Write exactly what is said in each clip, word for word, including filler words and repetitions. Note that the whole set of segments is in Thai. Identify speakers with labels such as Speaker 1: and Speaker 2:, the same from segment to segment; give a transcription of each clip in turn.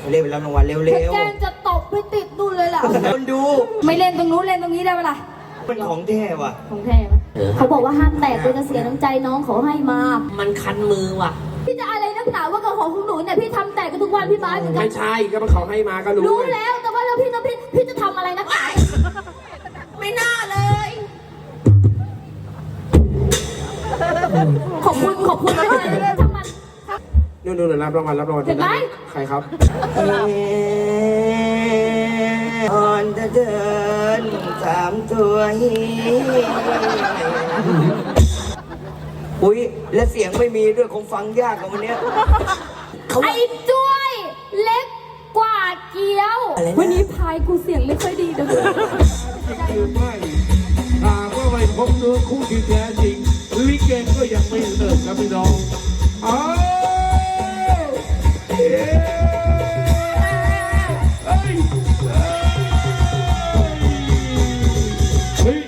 Speaker 1: เล่นไปรับรางวัลเร็วๆ
Speaker 2: แกงจะตบไปติดนู่นเลยล่ะ
Speaker 1: คนดู
Speaker 2: ไม่เล่นตรงนู้นเล่นตรงนี้ได้ปะล่ะ
Speaker 1: มันของแท้ว่ะ
Speaker 2: ของแท้ปะเขาบอกว่าห้ามแตกเป็นเสียน้ำใจน้องเขาให้มา
Speaker 3: มันคันมือว่ะ
Speaker 2: พี่จะอะไรนักหนาว่ากับของของหนูเนี่ยพี่ทำแตกกันทุกวันพี่บ้าเหมือนกัน
Speaker 4: ไม่ใช่ก็มันเขาให้มาก็รู้
Speaker 2: รู้แล้วแต่ว่าแล้วพี่ต้องพี่พี่จะทำอะไรนักหนา
Speaker 3: ไม่น่าเลย
Speaker 2: ขอบคุณขอบคุณมากเลยทั้งมัน
Speaker 4: นู่นนู่นรับรางวัลรับรางวัล
Speaker 2: เห็นไหม
Speaker 4: ใครครับ
Speaker 1: อ่อนจะเดินสามตัวฮีอุ้ยและเสียงไม่มีด้วยคงฟังยากกว่าวันเนี้ยเขา
Speaker 2: ไอ้จ้วยเล็กกว่าเกี๊ยววันนี้พายกูเสียงไม่ค่อยดีนะ
Speaker 5: คือไม่หากว่าไม่พบเนื้อคู่ที่แท้จริงลิเกก็ยังไม่เลิกครับพี่น้องอ้าวเอ้ยเอ้ยเฮ้ย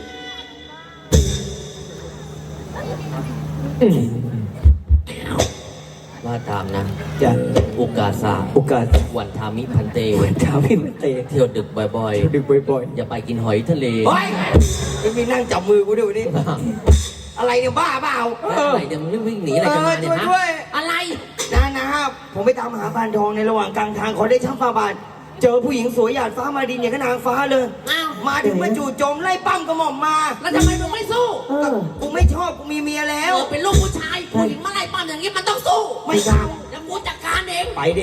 Speaker 3: ว่าตามนะ
Speaker 1: จะ
Speaker 3: โอกาสสา
Speaker 1: โอกาส
Speaker 3: วันทามิพันเต
Speaker 1: ถามพี่มันเตะ
Speaker 3: เที่ยวดึกบ่อย
Speaker 1: ดึกบ่อย
Speaker 3: ๆ อย่าไปกินหอยทะเล
Speaker 1: ๆเฮ้ยไม่มีนั่งจับมือกูด้วยวันนี้อะไรเนี่ยบ้าเปล่า
Speaker 3: อะไรเดี๋ยวมันวิ่งหนีอะไรกันมาเนี่ย
Speaker 1: เออช่วยด้วย
Speaker 3: ฮะอะไร
Speaker 1: นะนะครับผมไปตามหาพานทองในระหว่างกลางทางขอได้ช่างฟ้าบาทเจอผู้หญิงสวยหยาดฟ้ามาดินอย่างกับนางฟ้าเลย
Speaker 3: อ้าว
Speaker 1: มาถึงมาจู่โจมไล่ปั้มกระหม่อมมา
Speaker 3: แล้วทำไมมึงไม่สู้
Speaker 1: กูไม่ชอบกูมีเมียแล้
Speaker 3: เอ
Speaker 1: ว
Speaker 3: อเป็นลูกผู้ชายผู้หญิงมาไล่ปั้มอย่างนี้มันต้องสู้
Speaker 1: ไม่กล้า
Speaker 3: เดี๋ยวกูจัดการเอง
Speaker 1: ไปดิ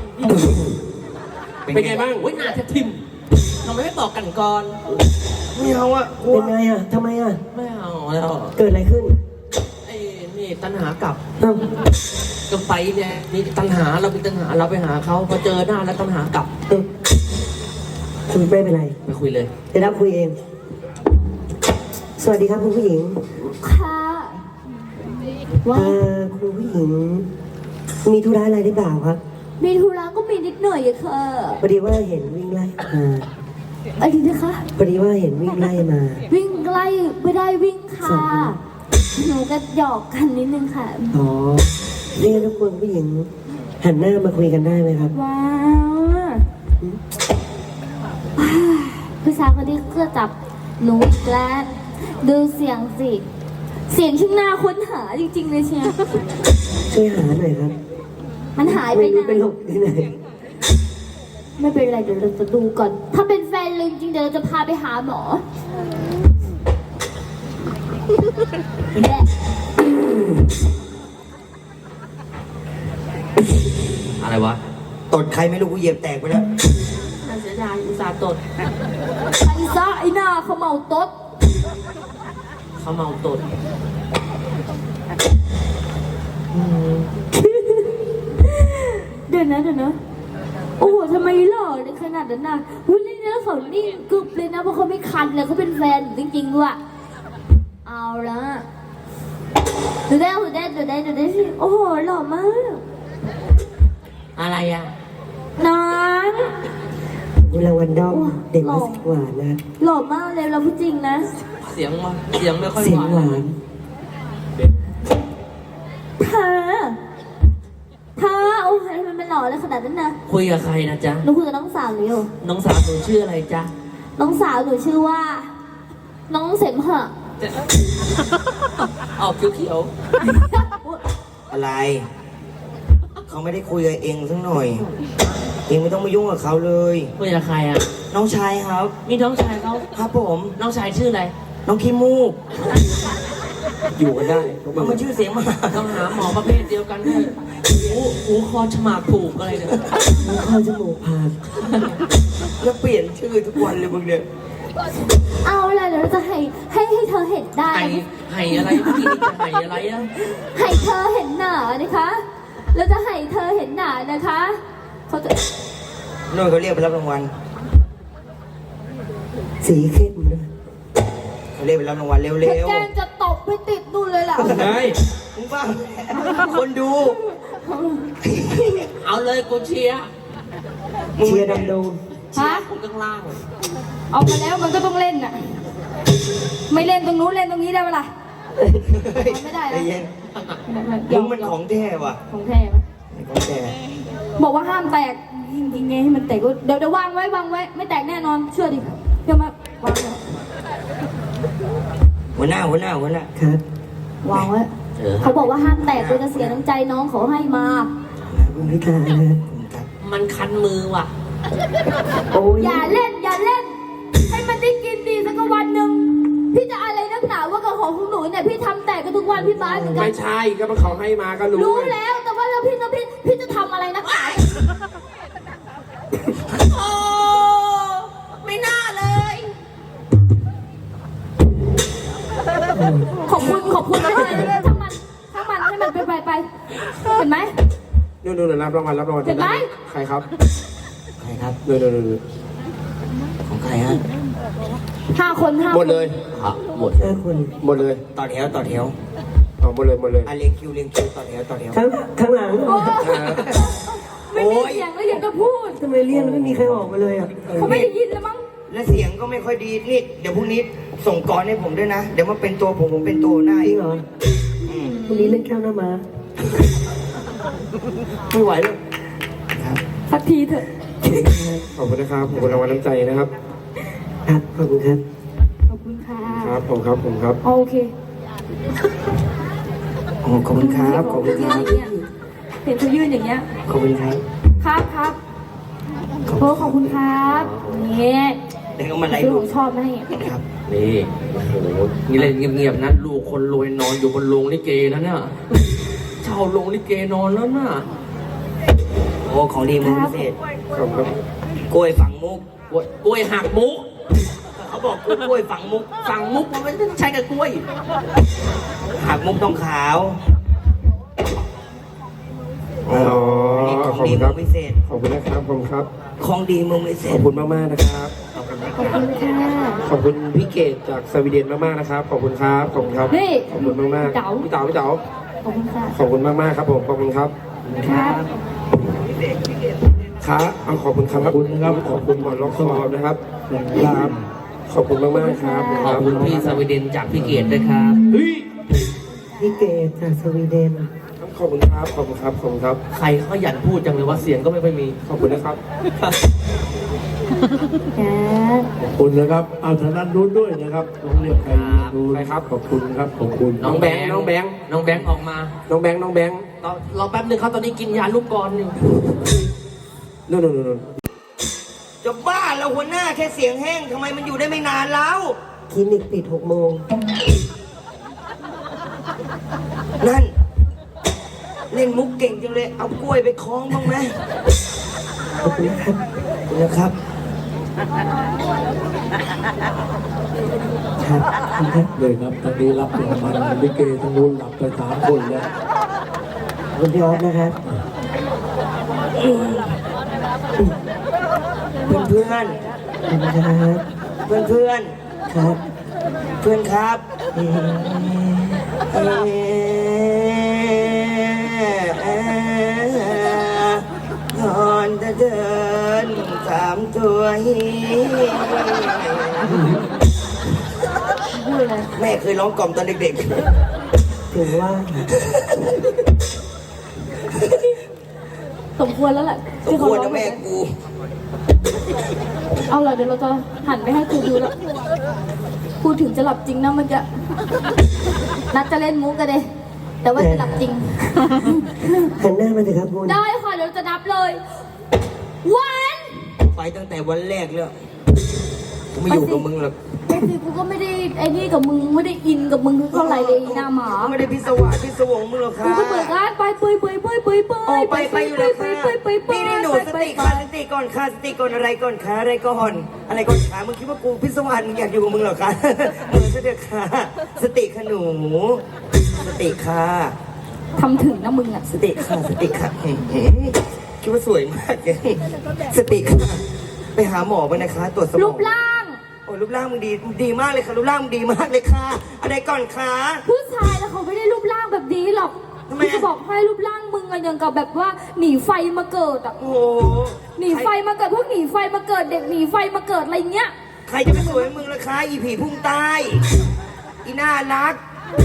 Speaker 4: เป็นไงบ้าง
Speaker 3: โอ้ยหน้าจะทิมทำไมไม่บอกกันก่อน
Speaker 1: ไม่เอาอะกลัว
Speaker 6: เป็นไงอ่ะ ทำไมอ่ะ
Speaker 3: ไม่เอาแล้ว
Speaker 6: เกิดอะไรขึ้น
Speaker 3: ไอ้นี่ตัณหากลับ
Speaker 6: เอ้า
Speaker 3: ก็ไปเนี่ยนี่ตัณหาเราเป็นตัณหาเราไปหาเขาพอเจอหน้าแล้วตัณหากลับ
Speaker 6: เอ้าคุณไม่เป็นไร
Speaker 3: ไปคุยเลย
Speaker 6: เดี๋ยวรับคุยเอง สวัสดีครับคุณผู้หญิง
Speaker 2: ค่ะ ว่า
Speaker 6: เอ่อคุณผู้หญิง มีธุระอะไรหรือเปล่าครับ
Speaker 2: มีธุระก็มีนิดหน่อยอะค่ะ
Speaker 6: พอดีว่าเห็นวิ่งไล่มา
Speaker 2: อะไรนะคะ
Speaker 6: พอดีว่าเห็นวิ่งไล่มา
Speaker 2: วิ่งไล่ไม่ได้วิ่งค่ะ
Speaker 6: สอง
Speaker 2: หนูก็หยอกกันนิดนึงค่ะ
Speaker 6: อ๋อเรียกทุกคนผู้หญิง หันหน้ามาคุยกันได้ไหมครับ
Speaker 2: ว้าวผู้ชายคนนี้ก็จับหนูอีกแล้วดูเสียงสิ เสียงช่างน่าค้นหาจริงๆเลยเชียว
Speaker 6: ช่วยหาหน่อยครับ
Speaker 2: มันหายไป
Speaker 6: ไม่รู้
Speaker 2: นา
Speaker 6: เป็น
Speaker 2: น
Speaker 6: หลบที่ไหน
Speaker 2: ไม่เป็นไรเดี๋ยวเราจะดูก่อน ถ้าเป็นแฟนเลยจริงๆเดี๋ยวเราจะพาไปหาหมอแย่
Speaker 3: อะไรวะ
Speaker 1: ตดใครไม่รู้กูเหยียบแตกไปแล้ว
Speaker 3: น่าเสียดายอุตส่าห์ตด
Speaker 2: ไอ้ซ่าไอ้หน้าเขาเมาต๊ด
Speaker 3: เขาเมาตด
Speaker 2: เดี๋ยวนะเดี๋ยวนะโอ้โหทำไมหล่อในขนาดนั้นน่ะหุ้ยนี่แล้วเขานี่กึบเลยนะเพราะเขาไม่คันเลยเขาเป็นแฟนจริงๆด้วยเอาละดูได้ดูได้ดูได้ดูได้สิโอ้โหหล่อมาก
Speaker 3: อะไรอ่ะ
Speaker 2: น้อง
Speaker 6: คุณรางวัลด้อมเด็กมาสิกว่านะ
Speaker 2: หล่อมากเลยเราพูดจริงนะ
Speaker 3: เสียงวะเสียงไม่ค่อย
Speaker 6: เสียง
Speaker 3: ห
Speaker 6: ห
Speaker 3: วาว
Speaker 6: าน น
Speaker 2: เธอเธอโอ้ยทำไมมันหล่อเลยขนาดนั้นนะ
Speaker 3: คุยกับใครนะจ๊ะ
Speaker 2: หนูคุยกับน้องสาวหนูอยู่
Speaker 3: น้องสาวหนูชื่ออะไรจ๊ะ
Speaker 2: น้องสาวหนูชื่อว่า น้องเสมหะ
Speaker 3: ออกเขียว
Speaker 1: อะไร เขาไม่ได้คุยกับเองสักหน่อย เองไม่ต้องมายุ่งกับเขาเลย
Speaker 3: ๆคุยกับใครอ่ะ
Speaker 1: น้องชายครับ
Speaker 3: นี่น้องชายเขา
Speaker 1: ครับผม
Speaker 3: น้องชายชื่ออะไร
Speaker 1: น้องขี้มูก
Speaker 4: อยู่กันได้พวกมึ
Speaker 1: มัน
Speaker 4: ง
Speaker 1: มันชื่อเสียงมา
Speaker 3: ต้องหาหมอประเภทเดียวกันด้วยหูหูคอฉมากผูกอะไรเนี่ย
Speaker 6: แล้วเข้าจมูกพาก
Speaker 1: แล้วเปลี่ยนชื่อทุกวันเลยมึงเนี่ย
Speaker 2: เอาละเดี๋ยวเราจะให้ให้ให้เธอเห็นได้
Speaker 3: ไห่ไห่อะไรเมื่อกี้นี่จะไห่อะไรอ่ะ
Speaker 2: ให้เธอเห็นหนานะคะเราจะให้เธอเห็นหนานะคะเขาจะ
Speaker 1: นู่นเขาเรียกไปรับรางวัล
Speaker 6: สีเข้มเลย
Speaker 1: เขาเรียกไปรับรางวัลเร็ว
Speaker 2: แกงจะตบไปติดนู่นเลยล่ะ
Speaker 4: ไง
Speaker 1: ๆมึงฟังคนดู
Speaker 3: เอาเลยกูเชียร์
Speaker 6: เชียร์ดำดง
Speaker 3: เชียร์คนข้างล่าง
Speaker 2: เอามาแล้วมันก็ต้องเล่นน่ะ ไม่เล่นตรงนู้นเล่นตรงนี้ได้ปะล่ะ ไม่ได้นะ
Speaker 1: ใจเย็นมึงมันของแท้ว่ะ
Speaker 2: ของแท้ปะ
Speaker 1: ของแท้
Speaker 2: บอกว่าห้ามแตกจริงๆไงให้มันแตกก็เดี๋ยวเดี๋ยววางไว้วางไว้ไม่แตกแน่นอนเชื่อดิเชื่อมาวางไว้
Speaker 1: หัวหน้าหัวหน้าหัวหน้า
Speaker 6: ครับ
Speaker 2: วางไว้เขาบอกว่าห้ามแตกเลยจะเสียน้ำใจน้องเขาให้มา
Speaker 6: คุณพิการนะ
Speaker 3: มันคันมือว่ะ
Speaker 6: โอ้ย
Speaker 2: อย่าเล่นอย่าเล่น ให้มันได้กินดีสักวันหนึ่งพี่จะอะไรนักหนาว่ากับของของหนูเนี่ยพี่ทำแตกกันทุกวันพี่บ้านเหมือนกั
Speaker 4: ไม่
Speaker 2: น
Speaker 4: ใช่ก็มันเขาให้มาก็รู้
Speaker 2: รู้แล้วแต่ว่าแล้วพี่จะพี่พี่จะทำอะไรนักหนา
Speaker 3: โอ้ไม่น่าเลย
Speaker 2: ขอบคุณขอบคุณนะเลยทั้งมันทั้งมันให้มันไปไปไปเห็นไหม
Speaker 4: นู่นนู่นรับรางวัลรับรางวัล
Speaker 2: เห็นไหม
Speaker 4: ใครครับ
Speaker 1: ใครครับ
Speaker 4: นู่นนู่นนู่น
Speaker 1: ของใครฮะ
Speaker 2: ห้าคนห้า
Speaker 4: หมดเลย
Speaker 3: ครับหมด
Speaker 6: ห้าคน
Speaker 4: หมดเลย
Speaker 1: ต่อแถวต่อแถว
Speaker 4: เอาหมดเลยหมดเลย
Speaker 1: อ่ะเรียงคิวเรียงคิวต่อแถวต่อแถว
Speaker 6: ข้างข้างหลัง
Speaker 2: โอ้ไม่มีเสียงแล้วยังจะพูด
Speaker 6: ทำไมเรียกแล้วไม่มีใครออกมาเลยอ่ะ
Speaker 2: เขาไม่ได้ยินแล้วมั้ง
Speaker 1: และเสียงก็ไม่ค่อยดีนี่เดี๋ยวพรุ่งนี้ส่งกรให้ผมด้วยนะ เดี๋ยวมาเป็นตัวผมผมเป็นตัวหน้า
Speaker 6: จ
Speaker 1: อี
Speaker 6: ริ
Speaker 1: ก
Speaker 6: งเหรอ
Speaker 1: อืม
Speaker 6: วันนี้เล่นแก้วหน้ามา
Speaker 4: ไม่ไหวเลย
Speaker 1: ครับ
Speaker 2: สักทีเถอะ
Speaker 4: ขอบคุณนะครับขอบคุณรางวัลน้ำใจนะครับ
Speaker 6: ครับขอบคุณครับ
Speaker 2: ขอบคุณค่ะ
Speaker 4: ครับผมครับผมครับ
Speaker 2: โอเค
Speaker 1: โอ้ขอบคุณครับขอบคุณครับ
Speaker 2: เห็นเขายื่นอย่างเงี้ย
Speaker 1: ขอบคุณครับ
Speaker 2: ครับครับโอ้ขอบคุณครับนี่
Speaker 1: เดี๋ยวเอามาไล่
Speaker 2: คือ
Speaker 1: ดู
Speaker 2: ผมชอบไหม
Speaker 1: ครับ
Speaker 3: นี่โอ้โหนี่เล่นเงียบๆนะลูกคนรวยนอนอยู่บนโรงลิเกนะเนี่ยเช่าโรงลิเกนอนแล้วน่ะ
Speaker 1: โอ้ของดีมือพิเศษ
Speaker 4: ขอบคุณครับ
Speaker 1: กล้วยฝังมุก
Speaker 3: กล้วยกล้วยหักมุก
Speaker 1: เขาบอกกล้วยฝังมุก
Speaker 3: สั่งมุกมันไม่ต้องใช้กับกล้วย
Speaker 1: หักมุกต้องขาว
Speaker 4: อ๋อ
Speaker 1: อันนี้ของ
Speaker 4: ขอบ
Speaker 1: ดี
Speaker 4: คุณค
Speaker 1: มื
Speaker 4: รับ
Speaker 1: อพิเศษ
Speaker 4: ขอบคุณนะครับขอบคุณครับ
Speaker 1: ของดีมือพิเศ
Speaker 4: ขอ
Speaker 1: ษ
Speaker 4: บคุณมากๆนะครับ
Speaker 2: ขอบคุณค่ะ
Speaker 4: ขอบคุณพี่เกดจากสวีเดนมากๆนะครับ ขอบคุณครับ ขอบคุณครับ
Speaker 2: นี่
Speaker 4: ขอบคุณมากๆ
Speaker 2: เต๋า
Speaker 4: พี่เต๋าพี่เต๋า
Speaker 2: ขอบคุณค่ะ
Speaker 4: ขอบคุณมากๆครับผม ขอบคุณครับ
Speaker 2: ครับ
Speaker 4: ครับเอาขอบคุณครับ
Speaker 5: ขอบคุณนะครับ
Speaker 4: ขอบคุณหมอล็อกคอนะครับครับขอบคุณมากๆครับ
Speaker 3: ขอบคุณพี่สวีเดนจากพี่เกดด้วยครับ
Speaker 5: เฮ้ย
Speaker 6: พี่เกดจากสวีเดน
Speaker 4: ขอบคุณครับ ขอบคุณครับ ขอบคุณครับ
Speaker 3: ใครเขาขยันพูดจังเลยว่าเสียงก็ไม่ค่อยมี
Speaker 4: ขอบคุณนะครับ
Speaker 2: ครับ
Speaker 5: ขอบคุณนะครับ เอาทางด้านนู้นด้วยนะครับต้องเรียกใครนู้น
Speaker 4: ใครครับ
Speaker 5: ขอบคุณครับ ขอบคุณ
Speaker 3: น้องแบงค์
Speaker 4: น้องแบงค์
Speaker 3: น้องแบงค์ออกมา
Speaker 4: น้องแบงค์น้องแบงค์
Speaker 3: รอรอแป๊บนึงครับตอนนี้กินยาลูกกรอนอยู่
Speaker 4: นู่นนู่นนู่น
Speaker 1: จะบ้าแล้วหัวหน้าแค่เสียงแห้งทำไมมันอยู่ได้ไม่นานแล้ว
Speaker 6: คลินิกปิดหกโมง
Speaker 1: นั่น เล่นมุกเก่งจังเลย เอากล้วยไปคล้องบ้างไหม
Speaker 6: ขอบคุณนะครับ
Speaker 1: นะครับ
Speaker 6: ครับขอบคุณครับ
Speaker 5: เลยครับตอนนี้รับรางวัลลิเกทั้งนู้นรับไปสามคนแล้ว
Speaker 6: ขอบคุณพี่ออฟนะครับ
Speaker 1: เพื่อน
Speaker 6: ขอบคุณครับ
Speaker 1: เพื่อนเพื่อน
Speaker 6: ครับ
Speaker 1: เพื่อนครับ
Speaker 6: เอ่อ
Speaker 1: เอ่อเอ่อนอนจะเดินสามตัวฮี
Speaker 2: พูดเลย
Speaker 1: แม่เคยร้องกล่อมตอนเด็ก
Speaker 6: ถือว่า
Speaker 2: สมควรแล้วแหละ
Speaker 1: ๆสม
Speaker 2: ที่
Speaker 1: ค
Speaker 2: เขา
Speaker 1: วร
Speaker 2: ร้อ
Speaker 1: นะ
Speaker 2: ง
Speaker 1: แม่กู
Speaker 2: เอาล่ะเดี๋ยวเราจะหันไปให้ครูดูแล้วพูดถึงจะหลับจริงนะมันจะนัดจะเล่นมุกกันเลยแต่ว่าจะหลับจริง
Speaker 6: หันหน้ามาเถอะครับคุณ
Speaker 2: ได้ค่ะเดี๋ยวจะนับเลยวัน
Speaker 1: ไปตั้งแต่วันแรกแล้วกูไม่อยู่กับมึงหรอก
Speaker 2: ไอ้สิกูก็ไม่ได้ไอ้นี่กับมึงไม่ได้อินกับมึงเท่าไหร่เลยหน้าหมา
Speaker 1: ไม่ได้พิศวาสพิศวงมึงหรอก
Speaker 2: กู
Speaker 1: ค่ะ
Speaker 2: ก็เปิดร้านไปเปยเปยเปยเปยเป
Speaker 1: โอ้
Speaker 2: ย
Speaker 1: ไปไปอยู่แล้ว
Speaker 2: เป
Speaker 1: ค่ะ
Speaker 2: ยเปยเปยเปย
Speaker 1: นี่นี่หนูสติค่ะสติก่อนค่ะสติก่อนอะไรก่อนค่ะอะไรก่อนอะไรก่อนค่ะมึงคิดว่ากูพิศวาสมึงอยากอยู่กับมึงเหรอคะเออสติค่ะสติค่ะหนูสติค่ะ
Speaker 2: ทำถึงนะมึงอ่ะ
Speaker 1: สติค่ะสติค่ะอื้อหือคิดว่าสวยมากเลยสติค่ะไปหาหมอไปนะคะ ตรวจสมอง
Speaker 2: รูปร่าง
Speaker 1: โอ้รูปร่างมึงดีดีมากเลยค่ะรูปร่างมึงดีมากเลยค่ะอะไรก่อนคะ
Speaker 2: ผู้ชายแล้วเขาไม่ได้รูปร่างแบบนี้หรอก
Speaker 1: ทำไม
Speaker 2: กู
Speaker 1: อะ
Speaker 2: จะบอกให้รูปร่างมึงอะอย่างกับแบบว่าหนีไฟมาเกิดอ่ะ
Speaker 1: โอ้โห
Speaker 2: หนีไฟมาเกิดพวกหนีไฟมาเกิดเด็กหนีไฟมาเกิดอะไรเงี้ย
Speaker 1: ใครจะไปสวยมึงล่ะคะอีผีพุ่งใต้อีน่ารัก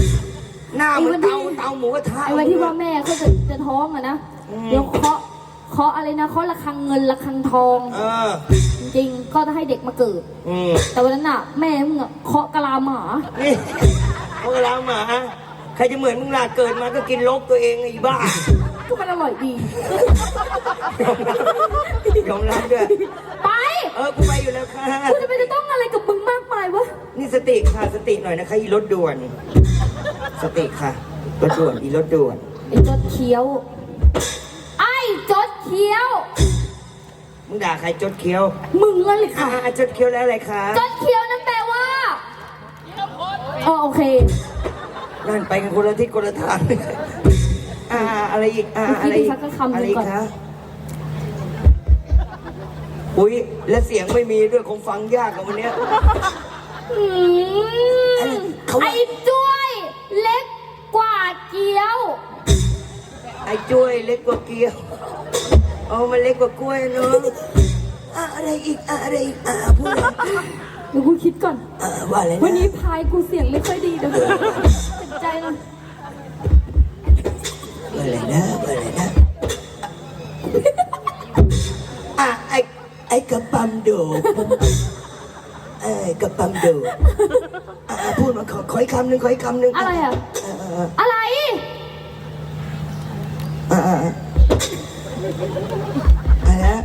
Speaker 1: หน้าเหมันเตาเตาหมูกระทะ
Speaker 2: ไอ้วันที่ว่าแม่เขาจะจะท้องอะนะ เดี๋ยวเคาะเคาะอะไรนะเคาะระฆังเงินระฆังทอง
Speaker 1: เออ
Speaker 2: จริงๆก็จะให้เด็กมาเกิด
Speaker 1: อืม
Speaker 2: แต่วันนั้นน่ะ แม่มึงอะเคาะกะลาหมา
Speaker 1: นี่พวกเราหมาใครจะเหมือนมึงล่ะเกิดมาก็กินลกตัวเองไอ้บ้า
Speaker 2: ก็มันอร่อยดี
Speaker 1: ยอมรับด้วย
Speaker 2: ไป
Speaker 1: เออ กูไปอยู่แล้วค่ะ
Speaker 2: กูจะไปจะต้องอะไรกับมึงมากมายวะ
Speaker 1: นี่สติค่ะ สติหน่อยนะคะอีรถด่วน สติค่ะ รถด่วน อีรถด่วน
Speaker 2: ไอ้จดเคี้ยว ไอ้จดเคี้ยว
Speaker 1: มึงด่าใครจดเคี้ยว
Speaker 2: มึงนั่นเลย
Speaker 1: อ่า
Speaker 2: ค่ะ
Speaker 1: จดเคี้ยวแล้วอะไรคะ
Speaker 2: จดเคี้ยวนั่นแปลว่าอ๋อโอเค
Speaker 1: นั่นไปกันคนละทิศคนละทาง อ่า อะไรอีก อ่า อะไรอีก อะไรอีกคะ อุ้ย และเสียงไม่มีด้วยคงฟังยากกับวันเนี้ย
Speaker 2: อืม
Speaker 1: เขาว่า
Speaker 2: ไอ้จ้วยเล็กกว่าเกี๊ยว
Speaker 1: ไอ้จ้วยเล็กกว่าเกี๊ยวเอามันเล็กกว่ากล้วยเนาะอ่ะอะไรอีกอ่ะอะไรอีกอ่ะพูดเลย
Speaker 2: เดี๋ยวกูคิดก่อน
Speaker 1: อ่ะว่าอะไร
Speaker 2: วัน
Speaker 1: นะ
Speaker 2: นี้พายกูเสียงไม่ค่อยดีเดี๋ยวเจ็บใจเลย
Speaker 1: ว่าอะไรนะว่าอะไรนะอ่ะไอ้ไอ้กระปั๊มโดดไอ้กระปั๊มโดดอ่ะอ่ะพูดมาขอขออีกคำหนึ่งขออีกคำหนึ่ง
Speaker 2: อะไรอ่ะ
Speaker 1: อ่ะอ่ะ
Speaker 2: อะไร
Speaker 1: อ่ะอ่ะอ่ะอะไรนะ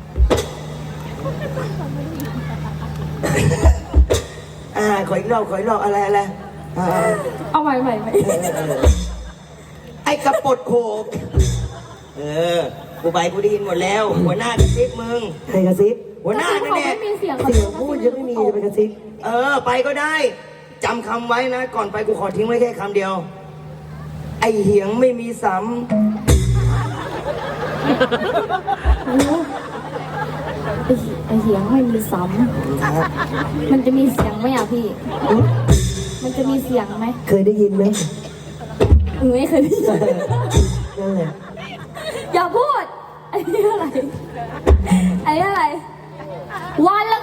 Speaker 1: อ่าขออีกรอบขออีกรอบอะไรอะไรอ่า
Speaker 2: เอาใหม่ใหม่ใหม่
Speaker 1: ไอ้กระปดโขกเออ กูไปกูได้ยินหมดแล้ว หัวหน้ากระซิบมึง
Speaker 6: ใครกระซิบ
Speaker 1: หัวหน้า
Speaker 2: เขา
Speaker 1: นั่นแห
Speaker 2: ไม่
Speaker 1: ละ
Speaker 2: มีเสียง
Speaker 6: เสียงพูดยังไม่มีจะไปกระซิบ
Speaker 1: เออ ไปก็ได้ จำคำไว้นะ ก่อนไปกูขอทิ้งไว้แค่คำเดียว ไอ้เหียงไม่มีซ้
Speaker 2: โอ้โหไอ้ไอ้เสียงไม่มีซ้
Speaker 1: ำครับ
Speaker 2: ำมันจะมีเสียงไหมอ่ะพี่ มันจะมีเสียงไหม
Speaker 6: เคยได้ยินไหม
Speaker 2: หนูไม่เคยได้ยิน
Speaker 6: นั่นแหละ
Speaker 2: อย่าพูดไอ้นี่อะไรไอ้นี่อะไร วันละ